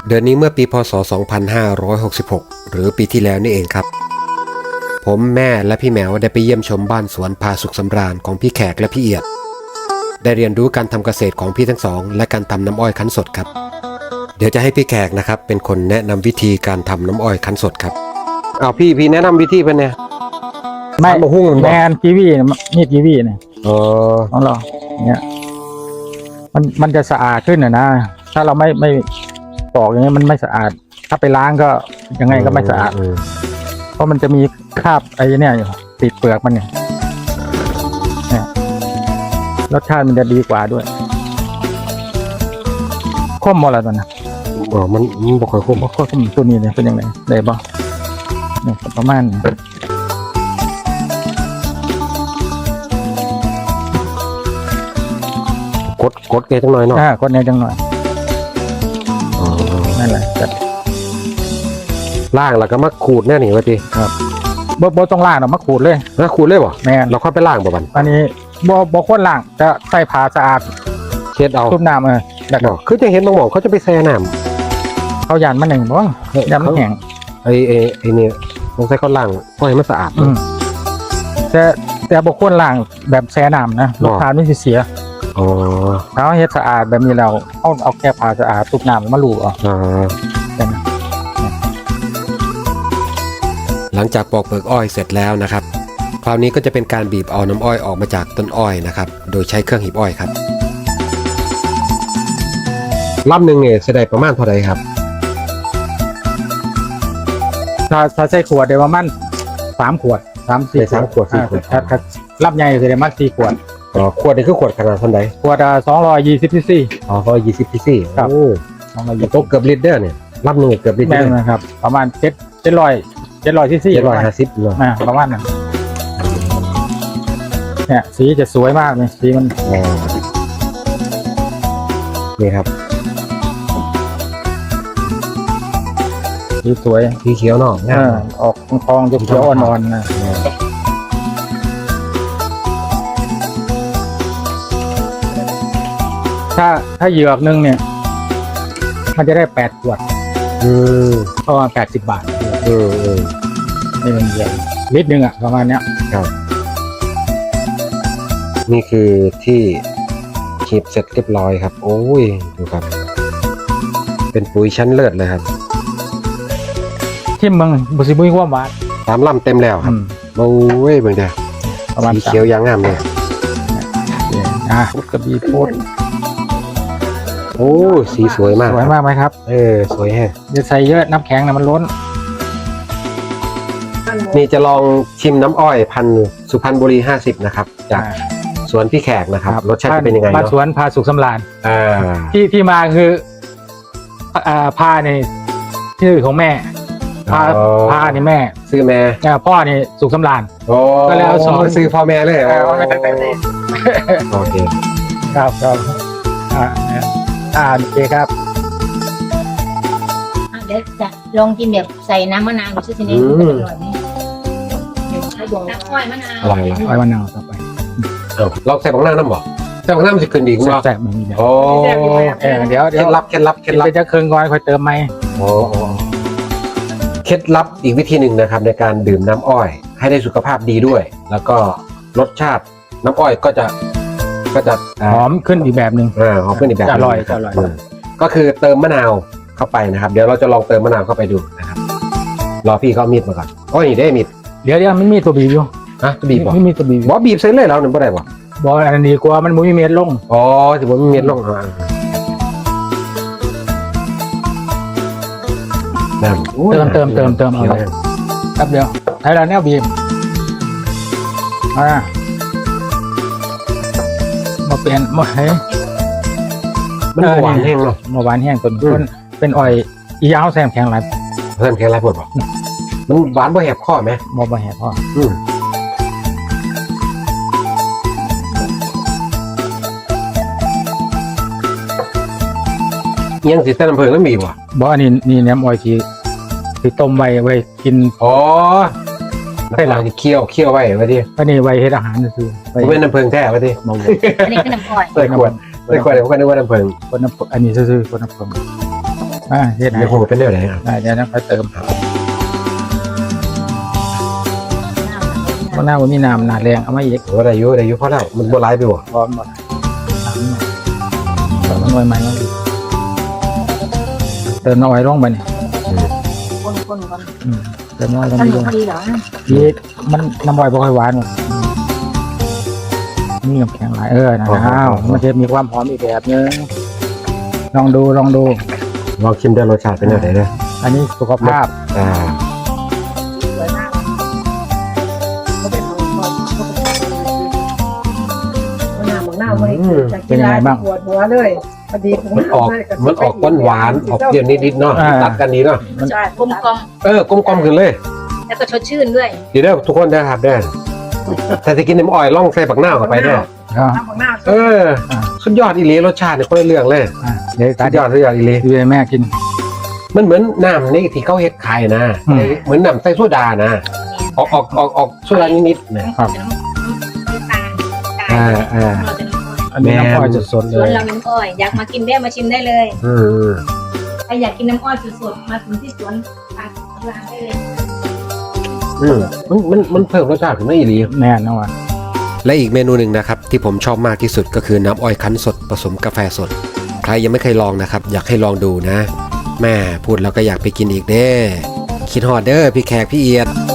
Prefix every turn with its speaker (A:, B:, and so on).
A: เดือนนี้เมื่อปีพศ 2566 หรือปีที่แล้วนี่เองครับผมแม่และพี่แมวได้ไปเยี่ยมชมบ้านสวนพาสุขสำราญของพี่แขกและพี่เอียดได้เรียนรู้การทำเกษตรของพี่ทั้งสองและการทำน้ำอ้อยคั้นสดครับเดี๋ยวจะให้พี่แขกนะครับเป็นคนแนะนำวิธีการทำน้ำอ้อยคั้นสดครับเอาพี่แนะนำวิธีเป็นไง
B: ไม่
A: มาหุ้ง
B: แมนกีวีมีดกีวีเนี่ย
A: อ๋อ
B: ของเราเนี่ยมันจะสะอาดขึ้นนะถ้าเราไม่ปอกอย่างนี้มันไม่สะอาดถ้าไปล้างก็ยังไงก็ไม่สะอาดเพราะมันจะมีคราบไอ้เนี่ยอยู่ติดเปลือกมันเนี่ยรสชาติมันจะดีกว่าด้วยข้มหมดแล้วตอนนั้น
A: มันบ่ค่อยข้ม
B: ตัวนี้เนี่ยเป็นยังไงได้บ่เนี่ยประมาณนี้
A: กดเกยจังหน่อยเนาะ
B: กดเนี่ยจังหน่อยนั่นแหละ
A: ล่างแล้วก็มาขูดแน่นี่วะที
B: ครับบ่ต้องล่างหรอกมาขูดเลย
A: ขูดเลยบ่
B: แม่
A: เราค่อยไปล่างบ่บัน
B: อันนี้บ่ควรล่างจะใส่ผ้าสะอาด
A: เช็ดเอา
B: ทุบน้ำ
A: แล้วก็คือจะเห็นบางหม่องเขาจะไปแช่น้ำ
B: เขาหยาดมันหนึ่งบ่ยำมันแข็ง
A: ไอ้เนี่ยต้องใส่เขาล่างเพราะให้มันสะอาด
B: แต่บ่ควรล่างแบบแช่น้ำนะรสชาติมันสิเสียถ้าเฮ็ดสะอาดแบบนี้เราเอาแค่ผ้าสะอาดทุบน้ำมาลูบ
A: หลังจากปอกเปลือกอ้อยเสร็จแล้วนะครับคราวนี้ก็จะเป็นการบีบเอาน้ำอ้อยออกมาจากต้นอ้อยนะครับโดยใช้เครื่องหีบอ้อยครับลำหนึ่งเนี่ยจะได้ประมาณเท่าไหร่ครับ
B: ถ้าใส่ขวดเดี๋ยวประมาณ3 ขวด 3-4
A: ขวด
B: ถ้าลำใหญ่จะได้มา4 ขวด
A: ขวดนี่คือขวดขนาดเท่าไหร่
B: ขวด220 ซีซี
A: 220 ซีซี
B: ครับ
A: ตกเกือบลิตรเด้อเนี่ยลำหนึ่งเกือบลิตร
B: นะครับประมาณ700 ซีซี
A: 750เนาะ
B: ประมาณนั้นเนี่ยสีจะสวยมากเลยสีมัน
A: นี่ครับ
B: สีสวย
A: สีเขียวเนาะ
B: ออกทองเขียวอ่อนๆนะถ้าเหยือกนึงเนี่ยมันจะได้8 ขวดประมาณ80 บาทนี่มันใหญ่ลิตรนึงประมาณเนี้ย
A: ครับนี่คือที่ขีดเสร็จเรียบร้อยครับโอ้ยดูครับเป็นปุ๋ยชั้นเลิศเลยครับ
B: ที่เมืองบุษบุยว่าหวาน
A: 3 ลำเต็มแล้วครับโอ้ยเบิ่งเด้อสีเขียวยางงามเลย
B: กระบี่โพด
A: โอ้สีสวยมาก
B: ไหมครับ
A: สวยแฮะ
B: จะใส่เยอะน้ำแข็งนะมันล้น
A: นี่จะลองชิมน้ำอ้อยพันธุ์สุพรรณบุรี50นะครับจากสวนพี่แขกนะครับรสชาติจะเป็นยังไง
B: มาสวนพาสุขสำราญที่มาคือพาในชื่อของแม่พานี่แม่
A: ซื้อแม่
B: พ่อนี่สุขสำราญ
A: ก็แล้วสอนซื้อพ่อแม่เลยโอเค
B: ครับโอเคครับ
C: เดี๋ยวจะลองกินแบบใส่น้ำมะนาวดูสิทีนี้อร่อยไหมน้ำอ้อยมะนาว
B: อ้อยมะนาวต่อไป
A: เราใส่บังหน้าน้ำบ่ใส่บังหน้ามันจะขึ้นดีกว่า
B: แซ่บมันมีแบบเดี๋ยว
A: เคล็ดลับ
B: ไปจะเคืองก่อนค่อยเติมไหม
A: เคล็ดลับอีกวิธีหนึ่งนะครับในการดื่มน้ำอ้อยให้ได้สุขภาพดีด้วยแล้วก็รสชาติน้ำอ้อยก็จะ
B: หอมขึ้นอีกแบบหนึ่ง
A: หอมขึ้นอีกแบบ
B: อร่อย
A: ก็คือเติมมะนาวเข้าไปนะครับเดี๋ยวเราจะลองเติมมะนาวเข้าไปดูนะครับรอพี่เขามีดมาก่อนนี่ได้มีด
B: เดี๋ยวไม่มีตัวบีบอยู่
A: ตัวบีบ
B: ไม่มีตัวบีบ
A: บีบเส้นเลยแล้วหนึ่งบ่ได้บ่
B: อันนี้กว่ามันมุ้ยเม็ดลง
A: ถือว่ามีเม็ดลง
B: เติมเอาครับเดี๋ยวให้เราเนี่ยบีบมาเปลี่ยนมาให้
A: มันหวานแห้งเนาะ
B: มาหวานแห้งต้นเป็นอ้อยอียาวแซมแข็งไร
A: ปวดป่ะมันหวานบ่แหบข้อไหม
B: บ่แหบข้อ
A: ยังสีเส้นน้ำผึ้งแล้วมีวะ
B: อันนี้น้ำอ้อยที่ต้มไว้กิน
A: ให้เราเคี่ยวไว้ไว้ดิ
B: อันนี้ไว้ให้อาหารคือ
A: เป็นน้ำผึ้งแท้ไว้ดิ
C: อันนี้คือน้ำอ้อย
A: ใส่ขวดผมก็นึกว่าน้ำผึ้ง
B: อันนี้ซื่อคนน้ำผึ้งเฮ็ดให้
A: เดี๋ยวคงเป็นเรื่องไหนครับ
B: เดี๋ยวนะค่อยเติมเพราะหน้ามันมีน้ำหนาแรงเอามาอีก
A: โอ้ได้อยู่พอแล้วมันโบราณไปบ่
B: พร้อมหมดน้ำมันน้อยไหมเติมน้อยลงไปนี่
C: คนก่อน
B: เติมน้อยลง
C: ท่าน
B: ไป
C: หนูพอดีเหรอ
B: นี่มันน้ำอ้อยบ่ค่อยหวานหรอกนี่กับแข็งหลายนะมันจะมีความหอมอีกแบบนึงลองดู
A: ลองชิมได้รสชาติเป็นยังไงนะ
B: อันนี้สุขภาพ
C: สวยมากเขาเป็นของคนหน้าไม่จากกีฬาปวดหัวเลยพอดี
A: มันออกหวานออกเปรี้ยวนิดๆเนาะตัดกันดีเนาะ
C: ใช่กลมกลม
A: กลมๆขึ้นเลย
C: แล้วก็สดชื่นด้วย
A: ดีเด้อทุกคนได้ครับได้แต่จะกินน้ำอ้อยล่องใส่ปักหน้าเข้าไปเด้อ
C: น้ำของหน้า
A: สุดยอดอีหลีรสชาติเนี่ยคนละเรื่องเลย
B: เดี๋ยว
A: สุดยอดอีหลี
B: ดูแม่กิน
A: มันเหมือนน้ำนี่ที่เขาเฮ็ดขายนะเหมือนน้ำใส่โซดานะออกโซดานิดๆนะ
B: อันนี้น้ำอ้อยสดๆเล
C: ส่วน
B: ย
C: เราน้ำอ้อยอยากมากินได้มาชิมได้เลย
A: อืม
C: ใครอยากกินน้ำอ้อยสดๆมาถึงที่สวนปากร้านได้เลย
A: มันเพิ่มรสชาติขึ้นมาอีหลี
B: แน่นอน
A: และอีกเมนูหนึ่งนะครับที่ผมชอบมากที่สุดก็คือน้ำอ้อยคั้นสดผสมกาแฟสดใครยังไม่เคยลองนะครับอยากให้ลองดูนะแม่พูดแล้วก็อยากไปกินอีกเด้คิดฮอดเด้อพี่แขกพี่เอียด